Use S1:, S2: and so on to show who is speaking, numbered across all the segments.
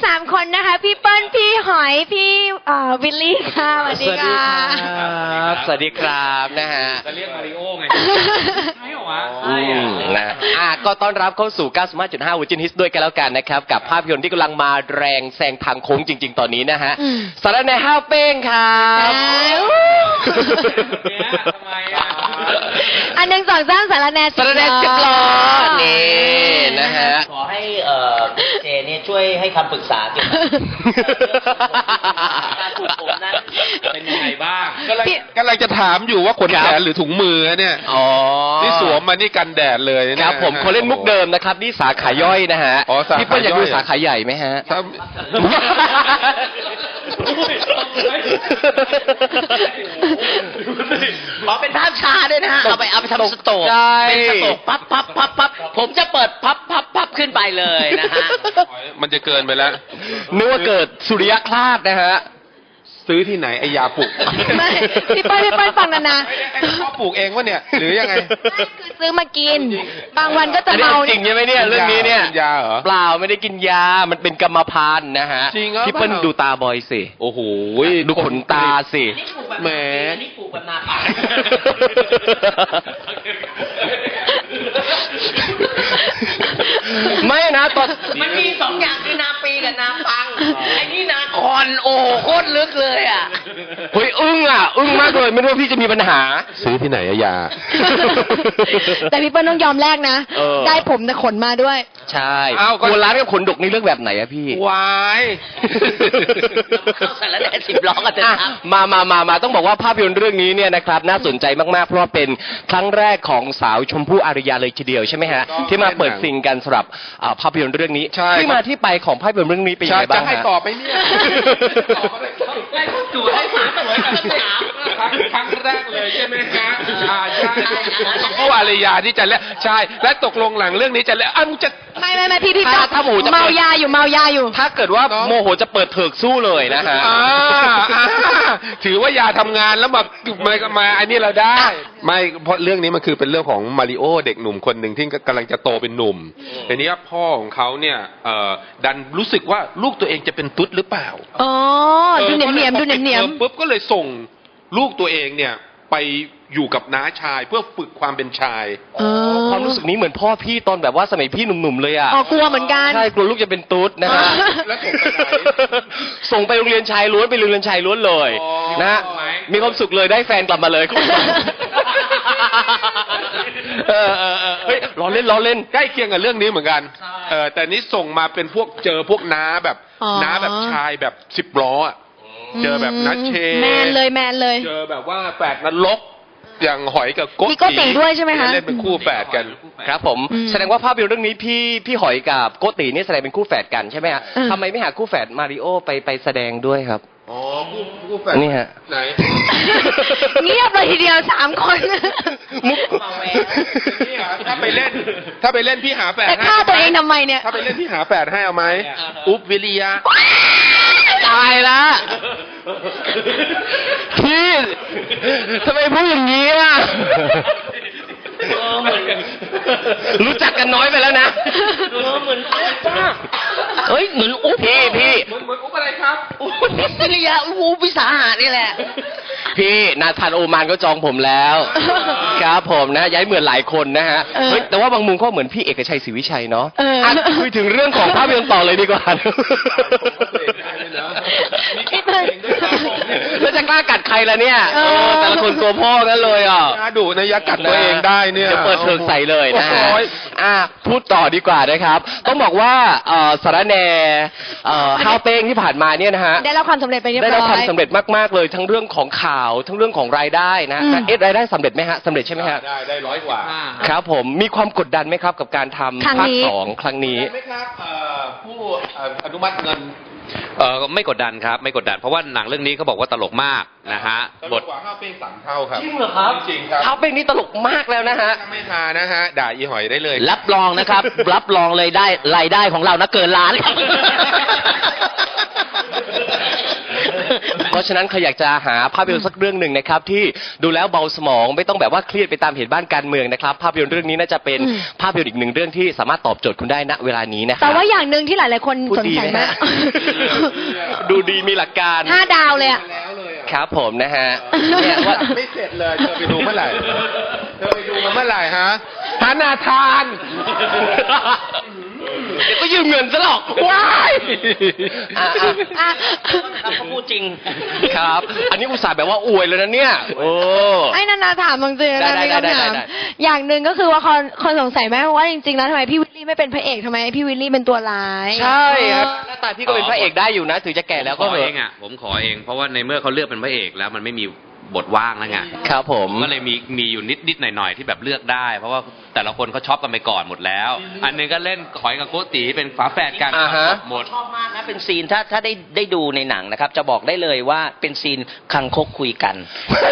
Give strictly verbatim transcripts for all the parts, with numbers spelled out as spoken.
S1: ามคนนะคะพี่เปิ้ลพี่หอยพี่วิลลี่ค่ะสวัสดีค่ะ
S2: สวัสดีครับนะฮะ
S3: จะเรียกมาริโอไงใช่เหรอวะ
S2: ใช่นะอ่ะก็ต้อนรับเข้าสู่ เก้าสิบห้าจุดห้า Virgin Hits ด้วยกันแล้วกันนะครับกับภาพยนตร์ที่กำลังมาแรงแซงทางโค้งจริงๆตอนนี้นะฮะสารแหน่ห้าวเป้งครับ
S3: ทำไมอ่ะ
S1: อันหนึ่งสองสามสารแหน่
S2: สารแหน่สิบล้อนี่นะฮะ
S4: ขอให้เอ่อเจเนี่ยช่วยให้คำปรึกษาเกี่ยวกับการปลูกผมนั้น
S3: เป็นยังไงบ้าง
S5: กำลังกำลังจะถามอยู่ว่าขนแขนหรือถุงมือเนี่ย
S2: อ๋อ
S5: นี่สวมมานี่กันแดดเลย
S2: ครับผมเขาเล่นมุกเดิมนะครับนี่สาขาย่อยนะฮะพี่เปิ้ลอยากดูสาขาใหญ่ไหมฮะ
S4: ขอเป็นภาพชาด้วยนะฮะเอาไปเอาไปทำสโตกเป็นสโตกปั๊บปั๊บปั๊บปั๊บผมจะเปิดพับพับพับขึ้นไปเลยนะฮะ
S5: มันจะเกินไปแล้ว
S2: นึกว่าเกิดสุริยคราสนะฮะ
S5: ซื้อที่ไหนไอยาปลูก
S1: ไม่พี่เปิ้ลพี่เปิ้ลฟังนะนะ
S5: ชอบปลูกเองวะเนี่ยหรือยังไง
S1: คือซื้อมากินบางวันก็จะเมา
S2: จริงใช่ไหมเนี่ยเรื่องนี้เนี่ย
S5: ยาเหรอ
S2: เปล่าไม่ได้กินยามันเป็นกรรมพันธุ์นะฮะพี่เปิ้ลดูตาบอยสิ
S5: โอ้โห
S2: ดูขนตาสิ
S4: แหมนี่ปลูกแบบนาปัง
S2: ไม่นะตอน
S4: มันมีสองอย่างคือนาปีกับนาปังไอ้นี่นาคอนโอ้โคตรลึกเลยอ่ะ
S2: เฮ้ยอึ้งอ่ะอึ้งมากเลยไม่รู้ว่าพี่จะมีปัญหา
S5: ซื้อที่ไหนอะยา
S1: แต่พี่เปิ้ลต้องยอมแลกนะได้ผมแต่ขนมาด้วย
S2: ใช่อ้าวคนร้านกับขนดกนี่เรื่องแบบไหนอะพี่
S5: วาย
S4: เข้าสารแหน่สิบล้อกันเถอะครับ
S2: มามามามาต้องบอกว่าภาพยนตร์เรื่องนี้เนี่ยนะครับน่าสนใจมากๆเพราะว่าเป็นครั้งแรกของสาวชมพู่อารยาเลยทีเดียวใช่ไหมฮะที่มาเปิดซิงกันสำหรับภาพยนตร์เรื่องนี้ที่มาที่ไปของภาพยนตร์เรื่องนี้เป็นยังไงบ้าง
S5: จะให้ตอบไหมเนี่ย
S3: ให้จู่ให้ถามตลอดกันถามครั้งแรกเลยใช่ไหมฮะอ่าใช่
S5: ชมพู่อารยาที่จะเล่นใช่และตกลงหลังเรื่องนี้จะเล่นอ้าวจะ
S1: ไม่ไม่ไม่พี่พี่
S2: ถ้าหมูจะ
S1: เมายาอยู่เมายาอยู่
S2: ถ้าเกิดว่าโมโหจะเปิดเถิกสู้เลยนะฮะ
S5: ถือว่ายาทำงานแล้วมามามาอันนี้เราได้ไม่เพราะเรื่องนี้มันคือเป็นเรื่องของมาริโอเด็กหนุ่มคนหนึ่งที่กำลังจะโตเป็นหนุ่มทีนี้พ่อของเขาเนี่ยดันรู้สึกว่าลูกตัวเองจะเป็นตุ๊ดหรือเปล่า
S1: อ๋อดูเหนียมเหนียมดูเหนียมเหนียม
S5: ปุ๊บก็เลยส่งลูกตัวเองเนี่ยไปอยู่กับน้าชายเพื่อฝึกความเป็นชาย
S2: ความรู้สึกนี้เหมือนพ่อพี่ตอนแบบว่าสมัยพี่หนุ่มๆเลยอ่ะ
S1: อ๋อกลัวเหมือนกัน
S2: ใช่กลัวลูกจะเป็นตุ๊ดนะฮะ
S5: แล้วส่งไปไหน
S2: ส่งไปโรงเรียนชายล้วนไปโรงเรียนชายล้วนเลยนะมีความสุขเลยได้แฟนกลับมาเลยเออเออเออเฮ้ยล้อเล่นล้อเล่น
S5: ใกล้เคียงกับเรื่องนี้เหมือนกันเออแต่นี้ส่งมาเป็นพวกเจอพวกน้าแบบน้าแบบชายแบบสิบล้ออ่ะเจอแบบนัชเช
S1: แมนเลยแมนเลย
S5: เจอแบบว่าแฝดนรกอย่างหอยกับโก
S1: ติโกติด้วยใช่ไหมคะ
S5: เล่นเป็นคู่แฝดกัน
S2: ครับผมแสดงว่าภาพยนตร์เรื่องนี้พี่พี่หอยกับโกตินี่แสดงเป็นคู่แฝดกันใช่ไหมฮะทำไมไม่หาคู่แฝดมาริโอไปไปแสดงด้วยครับ
S5: อ๋อคู่คู่แฝด
S2: นี่ฮะ
S5: ไหน
S1: เงียบเลยทีเดียวสามคน
S5: มุกถ้าไปเล่นถ้าไปเล่นพี่หาแฝดให้
S1: ฆ่าตัวเองทำไมเนี่ย
S5: ถ้าไปเล่นพี่หาแฝดให้เอาไหมอุ๊บวิริยะ
S2: ตายละพี่ทำไมพูดอย่างนี้อ่ะรู้จักกันน้อยไปแล้วนะ
S4: เหมือนเฮ้ยเหมือนอุ๊บ
S2: พี่พี่
S5: เหมือนเหมือนอุ๊บอะไรครับ
S4: อุ๊บวิริยะอุ๊บวิสาหะนี่แหละ
S2: พี่นาธานโอมานก็จองผมแล้วครับผมนะย้ายเหมือนหลายคนนะฮะเฮ้ยแต่ว่าบางมุมก็เหมือนพี่เอกชัยศรีวิชัยเนาะคุยถึงเรื่องของภาพยนตร์ต่อเลยดีกว่าแล้วจะกล้ากัดใครล่ะเนี่ยแต่ละคนตัวพ่อกันเลยอ่ะ
S5: ดูนะยักกัดตัวเองได้เนี่ย
S2: จะเปิดเทิงใส่เลยนะฮะอ่ะพูดต่อดีกว่านะครับต้องบอกว่าสารแหน่ข้าวเป้งที่ผ่านมาเนี่ยนะฮะ
S1: ได้รับความสำเร็จไปเรียบร้อย
S2: ได้รับความสำเร็จมากๆเลยทั้งเรื่องของข่าวทั้งเรื่องของรายได้นะเอ๊ะรายได้สำเร็จไหมฮะสำเร็จใช่ไหมฮะ
S5: ได้ได้ร้อยกว่า
S2: ครับผมมีความกดดันไหมครับกับการทำภาคสองครั้งนี้
S5: ไหมครับผู้อนุมัติเงิน
S3: เออไม่กดดันครับไม่กดดันเพราะว่าหนังเรื่องนี้เขาบอกว่าตลกมากนะฮะ
S5: บทกว่าข้าวเป้งสามเท่าครับ
S2: จริงเหรอครับ
S5: จริงครับ
S2: ข้าวเป้งนี่ตลกมากแล้วนะฮะ
S5: ไม่ทานะฮะด่าอีหอยได้เลย
S4: รับรองนะครับรับรองเลยได้รายได้ของเรานะเกินล้านครับ
S2: ก็ราะฉะนั้นใครอยากจะหาภาพยนตร์สักเรื่องหนึ่งนะครับที่ดูแล้วเบาสมองไม่ต้องแบบว่าเครียดไปตามเหตุบ้านการเมืองนะครับภาพยนตร์เรื่องนี้น่าจะเป็น
S1: อืม
S2: ภาพยนตร์อีกหนึ่งเรื่องที่สามารถตอบโจทย์คุณได้ณเวลานี้นะครั
S1: แต่ว่าอย่างหนึ่งที่หลายๆคน
S2: พูด
S1: สน
S2: ดี
S1: ใจ
S2: ไหม
S1: มา
S2: ฮะ
S1: ก
S2: ดูดีมีหลักการ
S1: ห้าดาวเลยอะ
S2: ครับผมนะฮะเนี่ยว่า
S5: ไม่เสร็จเลยเธอไปดูเมื่อไหร่เธอไปดูมาเมื่อไหร่ฮะหานาทาน
S2: เดี๋ยวก็ยืมเงินซะหรอก
S5: ว้าย
S2: อ่ะอ่ะ
S1: อ่ะ
S4: ครับเขาพูดจริง
S2: ครับ อันนี้อุตส่าห์แบบว่าอวยเลยนะเนี่ย โอ้
S1: ไอ้นานาถามบางที
S2: ได้
S1: นะ
S2: ได้
S1: มี
S2: ได้
S1: คำถาม
S2: ได้ได้
S1: อย่างหนึ่งก็คือว่าคนคนสงสัยไหมว่าจริงๆแล้วทำไมพี่วิลลี่ไม่เป็นพระเอกทำไมพี่วิลลี่เป็นตัวร้าย
S2: ใช่ครับหน้าตาพี่ก็เป็นพระเอกได้อยู่นะ ถึงจะแก่แล้ว
S3: ข
S2: ก็
S3: อ
S2: เห
S3: เอ
S2: อะ
S3: งอ่ะผมขอเองเพราะว่าในเมื่อเขาเลือกเป็นพระเอกแล้วมันไม่มีบทว่างแล้วไง
S2: ครับผม
S3: ก็เลยมีมีอยู่นิดนิดหน่อยหน่อยๆที่แบบเลือกได้ เพราะว่าแต่ละคนเขาชอบกันไปก่อนหมดแล้ว อันหนึงก็เล่นขอยกับโกตีเป็นฝาแฝดกัน
S2: อ่าฮะ
S3: หมด
S4: ชอบมากนะเป็นซีนถ้าถ้าได้ได้ดูในหนังนะครับ จะบอกได้เลยว่าเป็นซีนคังคกคุยกัน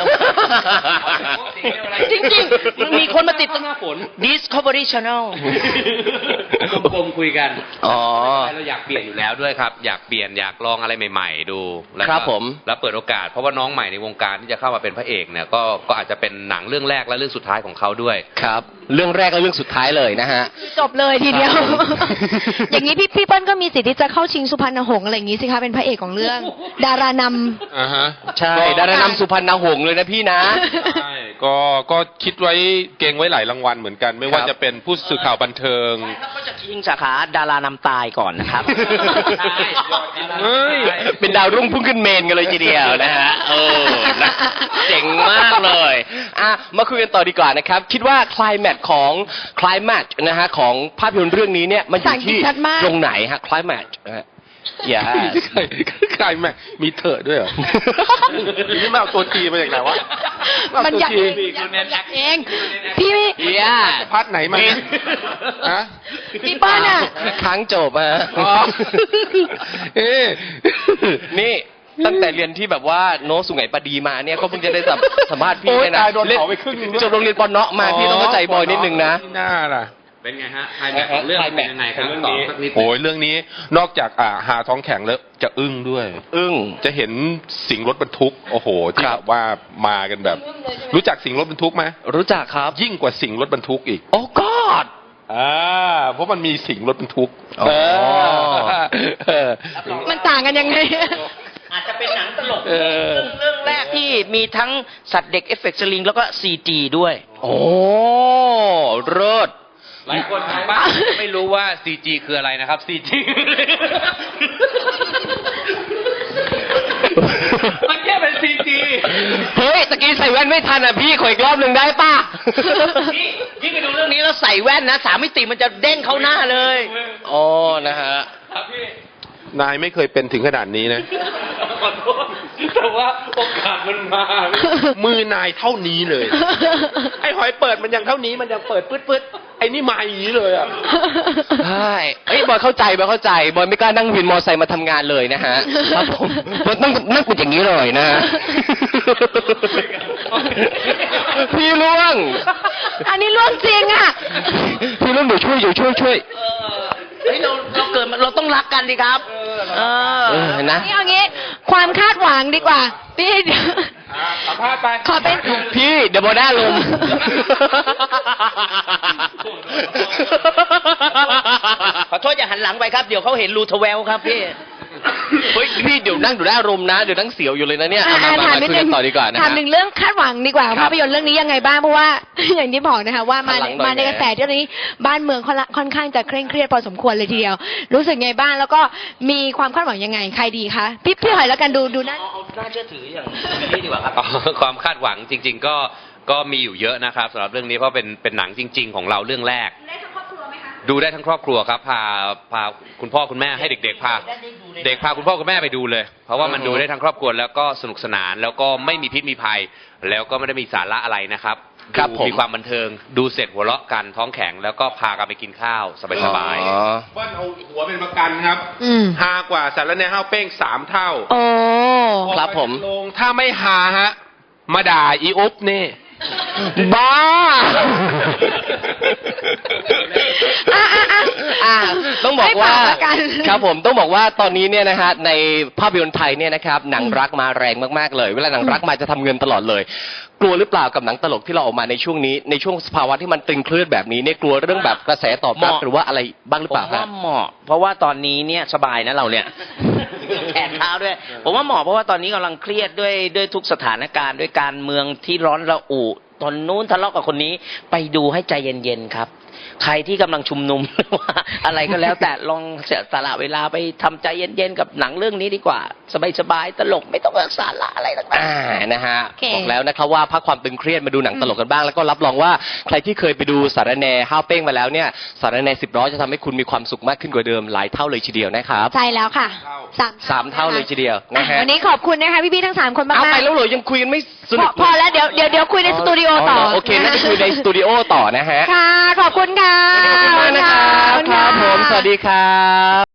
S4: จริงๆมันมีคนมาติดตั้งหน้าฝน Discovery Channel
S3: กลมๆคุยกัน
S2: อ๋อ
S3: เราอยากเปลี่ยนอยู่แล้วด้วยครับ อยากเปลี่ยนอยากลองอะไรใหม่ๆดูแล้วก็
S2: ครับผม
S3: แล้วเปิดโอกาสเพราะว่าน้องใหม่ในวงการที่จะเข้ามาเป็นพระเอกเนี่ยก็ก็อาจจะเป็นหนังเรื่องแรกและเรื่องสุดท้ายของเขาด้วย
S2: ครับ เรื่องแรกและเรื่องสุดท้ายเลยนะฮะ
S1: จบเลยทีเดียว
S2: ครับผม
S1: อย่างนี้พี่พี่เปิ้ลก็มีสิทธิ์ที่จะเข้าชิงสุพรรณหงส์อะไรอย่างนี้สิคะเป็นพระเอกของเรื่อง ดารานำ
S5: อ่าฮะ
S2: ใช่ ดารานำสุพรรณหงส์เลยนะพี่นะ
S5: ใช่ก็ก็คิดไว้เก่งไว้หลายรางวัลเหมือนกัน ไม่ว่า
S2: ครับ
S5: จะเป็นผู้สื่อข่าวบันเทิง
S4: แล้วก็จะชิงสาขาดารานำตายก่อนนะครับ
S5: เฮ้ย
S2: เป็นดาวรุ่งพุ่งขึ้นเมนกันเลยทีเดียวนะฮะเออนะเจ๋งมากเลยอ่ะมาคุยกันต่อดีกว่านะครับ คิดว่าคลายแมทของคลายแมทนะฮะของภาพยนตร์เรื่องนี้เนี่ยมันอยู่ที่
S1: ภาษาอังกฤษชัดมาก
S2: ตรงไหนฮะคลายแมทอย่า
S5: ใครใครแม่มีเถอะด้วยเหรอ นี่มาเอาตัวทีมาจากไหนวะ
S1: มันอยาก
S5: เอ
S1: เอ
S5: ตัว
S1: ง
S5: ที
S1: อยากเอง พี่ไม่
S2: อย่า
S5: พัดไหนมาฮะ
S1: พี่เปิ้ลอ่ะ
S2: ค้างจบอะ
S5: อ๋อเอ๊ะ
S2: นี่ตั้งแต่เรียนที่แบบว่าโน้ตสุไหงปดีมาเนี่ยก็เพิ่งจะได้สัมสัมภาษณ์พี่
S5: โอ๊ย
S2: เนี่ยนะ
S5: ตายโดนเผาไปครึ่งหนึ่งด้วย
S2: จบโรงเรียนปอนเนาะมาพี่ต้องเข้าใจบอยนิดนึงนะ
S5: ที่หน้าล่ะ
S3: เป็นไงฮะไฮแม็กของเรื่องเป็นยังไงครับต่อสักนิด
S5: โอ้ยเรื่องนี้นอกจากอ่าหาท้องแข็งแล้วจะอึ้งด้วย
S2: อึ้ง
S5: จะเห็นสิ่งรถบรรทุก โอ้โห ที่
S2: ครั
S5: แบบ บว่ามากันแบบ รู้จักสิ่งรถบรรทุกไหม
S2: รู้จักครับ
S5: ยิ่งกว่าสิ่งรถบรรทุกอีก
S2: โอ้กอด
S5: อ่าเพราะมันมีสิ่งรถบรรทุก
S2: อ๋อ
S5: เออเออ
S1: มันต่างกันยังไง
S4: อาจจะเป็นหนังตลก
S5: เออ
S4: เรื่องแรกที่มีทั้งสัตว์เด็กเอฟเฟกต์สลิงแล้วก็ซีจีด้วย
S2: โอ้เลิศ
S3: หลายคนทางบ้านไม่รู้ว่า ซี จี คืออะไรนะครับ ซี จี มันแค่เป็น ซี จี
S2: เฮ้ยตะกี้ใส่แว่นไม่ทันอ่ะพี่ขออีกรอบหนึ่งได้ป่ะ
S4: นี่ยิ่งไปดูเรื่องนี้แล้วใส่แว่นนะสามมิติมันจะเด้งเข้าหน้าเลย
S2: อ๋อนะฮะ
S3: ครับพี่
S5: นายไม่เคยเป็นถึงขนาดนี้นะ
S3: ขอโทษแต่ว่าโอกาสมันมา
S5: มือนายเท่านี้เลย ไอ้หอยเปิดมันยังเท่านี้มันยังเปิดปื๊ดๆไอ้นี่มาอย่างนี้เลยอ่ะ
S2: ใช่เฮ้ยบอยเข้าใจบอยเข้าใจบอยไม่กล้านั่งวินมอไซค์มาทำงานเลยนะฮะครับผมบอยต้องนั่งเป็นอย่างนี้เลยนะฮะพี่ล่วง
S1: อันนี้ล่วงจริงอ่ะ
S2: พี่ล่วงเดี๋ยวช่วยเดี๋ยวช่วยช่วย
S4: เฮ้ยเราเราเกิดมาเราต้องรักกันดิครับ เออ
S2: เออนะ
S1: นี่เอางี้ ความคาดหวังดีกว่า พี่เดี๋ยว
S5: สัมภาษณ์ไป
S1: ขอเป็น
S2: พี่เดี๋ยวบอยได้ลมณ์
S4: ขอโทษอย่าหันหลังไปครับ เดี๋ยวเขาเห็นรูทเวลครับพี่
S2: เฮ้ยพี่เดี๋ยวนั่งดูได้อารมณ์นะเดี๋ยวนั่งเสียวอยู่เลยนะเนี่ยเอามา
S1: อ่ะ
S2: มา
S1: ถาม
S2: มา
S1: นิด
S2: คุย
S1: นึ
S2: กั
S1: ง
S2: นต่อดีกว่านะ
S1: ถาม
S2: ฮะ
S1: หนึ่งเรื่องคาดหวังดีกว่า
S2: ครับ
S1: ภาพยนตร์เรื่องนี้ยังไงบ้างเพราะว่า อย่างที่บอกนะคะว่ามา
S2: หันหลังหน่อย
S1: มาใน
S2: แหม
S1: กระแสที่ตอนนี้บ้านเมืองค่อนละค่อนข้างจะเคร่งเครียดพอสมควรเลยทีเดียว รู้สึกไงบ้างแล้วก็มีความคาดหวังยังไงใครดีคะพี่พี่หอยแล้วกันดูดูหน้า
S4: เอาเอาน่าเชื่อถืออย่างนี้ดีกว่าครับ
S3: อ๋อความคาดหวังจริง ๆ ก็ก็มีอยู่เยอะนะครับสำหรับเรื่องนี้เพราะเป็นเป็นหนังจริง ๆ ของเราเรื่องแรก ดูได้ทั้งครอบครัวครับพาพาคุณพ่อคุณแม่ให้เด็กๆพาเด็กพาคุณพ่อคุณแม่ไปดูเลย เพราะว่ามัน
S2: อือฮึ
S3: ดูได้ทั้งครอบครัวแล้วก็สนุกสนาน แล้วก็ไม่มีพิษมีภัย แล้วก็ไม่ได้มีสาระอะไรนะครับ
S2: ครับ
S3: ดู
S2: ผม
S3: มีความบันเทิง ดูเสร็จหัวเราะกันท้องแข็งแล้วก็พากันไปกินข้าวสบาย
S2: อ๋อ
S5: เบิ้ลเอาหัวเป็นประกันครับ
S1: อืม
S5: ฮากว่าสารแหน่ห้าวเป้งสามเท่า
S1: โอ้
S2: ครับผม
S5: ลงถ้าไม่ฮาฮะ มาด่าอีอุ๊บนี่
S2: บ้า
S1: อ่ะอ่ะอ่ะ
S2: อ่ะต้องบอกว่า
S1: ให้ฝากละกัน
S2: ครับผมต้องบอกว่าตอนนี้เนี่ยนะฮะในภาพยนตร์ไทยเนี่ยนะครับหนังรักมาแรงมากๆเลย เวลาหนังรักมาจะทำเงินตลอดเลย กลัวหรือเปล่ากับหนังตลกที่เราออกมาในช่วงนี้ในช่วงสภาวะที่มันตึงเครียดแบบนี้เนี่ยกลัวเรื่องแบบกระแสตอบรับ
S4: เหมาะ
S2: หรือว่าอะไรบ้างหรือ
S4: ผ
S2: เปล่าม ครั
S4: ว่า
S2: บ
S4: เหมาะ เพราะว่าตอนนี้เนี่ยสบายนะเราเนี่ย แขนเท้าด้วย ผมว่าเหมาะเพราะว่าตอนนี้กำลังเครียดด้วยด้วยทุกสถานการณ์ด้วยการเมืองที่ร้อนระอุตอนนู้นทะเลาะกับคนนี้ไปดูให้ใจเย็นๆครับ ใครที่กำลังชุมนุม ว่าอะไรก็แล้วแต่ลองเสียสละเวลาไปทำใจเย็นๆกับหนังเรื่องนี้ดีกว่า สบายๆตลกไม่ต้องสาระอะไรต่างๆ
S2: อ่านะฮะ
S1: โอเค
S2: บอกแล้วนะครับว่าพักความตึงเครียดมาดูหนังตลกกันบ้าง แล้วก็รับรองว่าใครที่เคยไปดูสารแหนห้าวเป้งมาแล้วเนี่ยสารแหนสิบร้อยจะทำให้คุณมีความสุขมากขึ้นกว่าเดิมหลายเท่าเลยทีเดียวนะครับ
S1: ใช่แล้วค่ะสาม
S2: สามเท่าเลยทีเดียวนะฮะ
S1: วันนี้ขอบคุณนะคะพี่ๆทั้งสามคนมาก
S2: เอา
S1: ๆ
S2: ไปแล้วเหรอยังคุยกันไม่ส
S1: พ
S2: นุ
S1: อก พอแล้วเดี๋ยวเดี๋ยวเดี๋ยวคุยในสตูดิโอต่อ
S2: เหรโอเคน่าจะคุยในสตูดิโอต่อนะฮะ
S1: ค่ะ ขอบคุณค่ะ
S2: ขอบคุณมากนะครับ
S1: ขอบคุณ
S2: ค
S1: ค่ะ
S2: รับผม สวัสดีครับ